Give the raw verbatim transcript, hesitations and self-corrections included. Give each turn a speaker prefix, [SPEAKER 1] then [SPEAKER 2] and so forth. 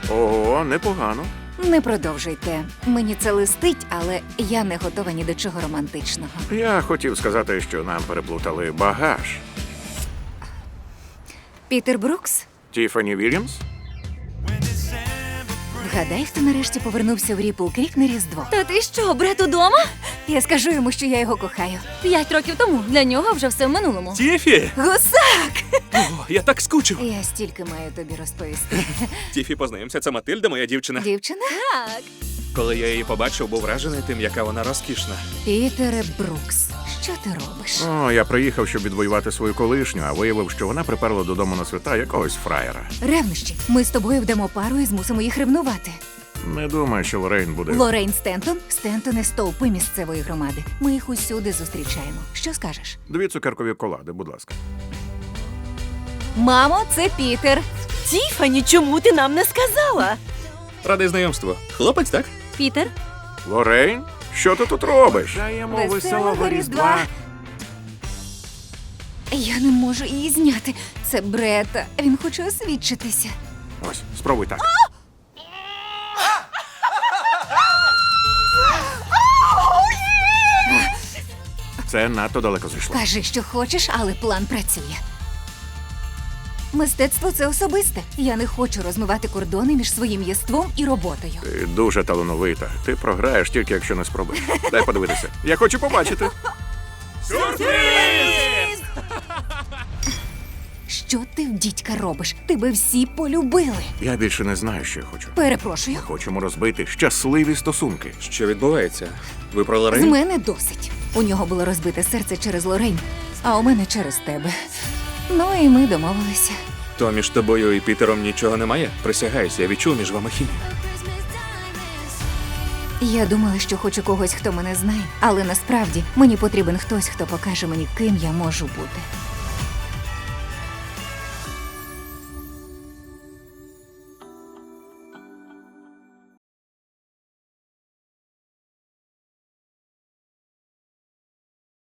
[SPEAKER 1] Ого, непогано.
[SPEAKER 2] Не продовжуйте. Мені це листить, але я не готова ні до чого романтичного.
[SPEAKER 1] Я хотів сказати, що нам переплутали багаж.
[SPEAKER 2] Пітер Брукс?
[SPEAKER 1] Тіфані Вільямс?
[SPEAKER 2] Вгадай, хто нарешті повернувся в Ріпл Крік на Різдво.
[SPEAKER 3] Та ти що, Бред удома?
[SPEAKER 2] Я скажу йому, що я його кохаю.
[SPEAKER 3] П'ять років тому. Для нього вже все в минулому.
[SPEAKER 4] Тіфі!
[SPEAKER 2] Гусак!
[SPEAKER 4] О, я так скучив.
[SPEAKER 2] Я стільки маю тобі розповісти.
[SPEAKER 4] Тіфі, познайомся, це Матильда, моя дівчина.
[SPEAKER 2] Дівчина?
[SPEAKER 3] Так.
[SPEAKER 4] Коли я її побачив, був вражений тим, яка вона розкішна.
[SPEAKER 2] Пітере Брукс, що ти робиш?
[SPEAKER 1] О, я приїхав, щоб відвоювати свою колишню, а виявив, що вона приперла додому на свята якогось фраєра.
[SPEAKER 2] Ревнощі. Ми з тобою вдамо пару і змусимо їх ревнувати.
[SPEAKER 1] Не думаю, що Лорейн буде.
[SPEAKER 2] Лорейн Стентон, Стентони стовпи місцевої громади. Ми їх усюди зустрічаємо. Що скажеш?
[SPEAKER 1] Дві цукеркові колади, будь ласка.
[SPEAKER 2] Мамо, це Пітер.
[SPEAKER 3] Тіфані, чому ти нам не сказала?
[SPEAKER 4] Радий знайомству. Хлопець, так?
[SPEAKER 3] Пітер?
[SPEAKER 1] Лорейн? Що ти тут робиш? Даємо
[SPEAKER 2] Веселого Різдва. Я не можу її зняти. Це Брета. Він хоче освідчитися.
[SPEAKER 1] Ось, спробуй так. Це надто далеко зайшло.
[SPEAKER 2] Кажи, що хочеш, але план працює. Мистецтво – це особисте. Я не хочу розмивати кордони між своїм єством і роботою.
[SPEAKER 1] Ти дуже талановита. Ти програєш тільки, якщо не спробуєш. Дай подивитися. Я хочу побачити.
[SPEAKER 2] Що ти в дідька робиш? Тебе всі полюбили.
[SPEAKER 1] Я більше не знаю, що я хочу.
[SPEAKER 2] Перепрошую.
[SPEAKER 1] Хочемо розбити щасливі стосунки.
[SPEAKER 4] Що відбувається? Ви про
[SPEAKER 2] З
[SPEAKER 4] Лорейн?
[SPEAKER 2] мене досить. У нього було розбите серце через Лорейн, а у мене через тебе. Ну і ми домовилися.
[SPEAKER 4] То між тобою і Пітером нічого немає? Присягаюся, я відчув між вами хімію.
[SPEAKER 2] Я думала, що хочу когось, хто мене знає, але насправді мені потрібен хтось, хто покаже мені, ким я можу бути.